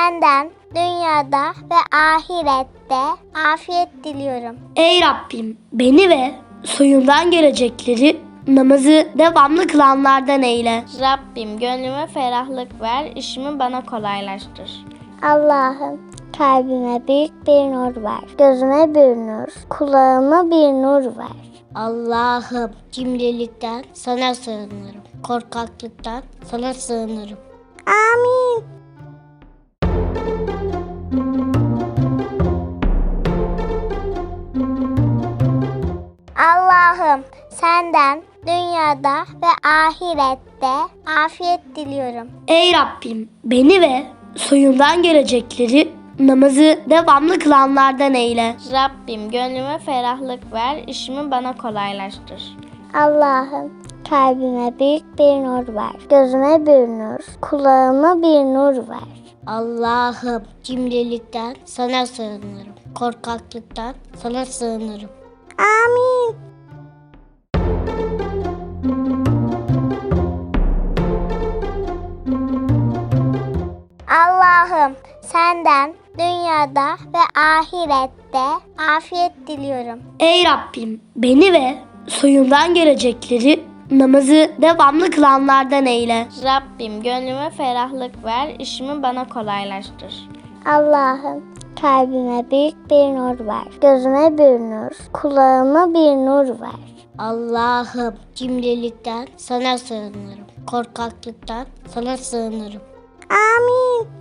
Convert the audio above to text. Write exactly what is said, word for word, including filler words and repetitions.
senden dünyada ve ahirette afiyet diliyorum. Ey Rabbim, beni ve soyumdan gelecekleri namazı devamlı kılanlardan eyle. Rabbim gönlüme ferahlık ver, işimi bana kolaylaştır. Allah'ım kalbime büyük bir nur ver. Gözüme bir nur, kulağıma bir nur ver. Allah'ım cimrilikten sana sığınırım. Korkaklıktan sana sığınırım. Amin. Allah'ım senden dünyada ve ahirette afiyet diliyorum. Ey Rabbim, beni ve soyumdan gelecekleri namazı devamlı kılanlardan eyle. Rabbim gönlüme ferahlık ver, işimi bana kolaylaştır. Allah'ım kalbime büyük bir nur ver. Gözüme bir nur, kulağıma bir nur ver. Allah'ım cimrilikten sana sığınırım. Korkaklıktan sana sığınırım. Amin. Allah'ım senden dünyada ve ahirette afiyet diliyorum. Ey Rabbim, beni ve soyumdan gelecekleri namazı devamlı kılanlardan eyle. Rabbim gönlüme ferahlık ver, işimi bana kolaylaştır. Allah'ım kalbime büyük bir nur ver. Gözüme bir nur, kulağıma bir nur ver. Allah'ım cimrilikten sana sığınırım. Korkaklıktan sana sığınırım. Amin.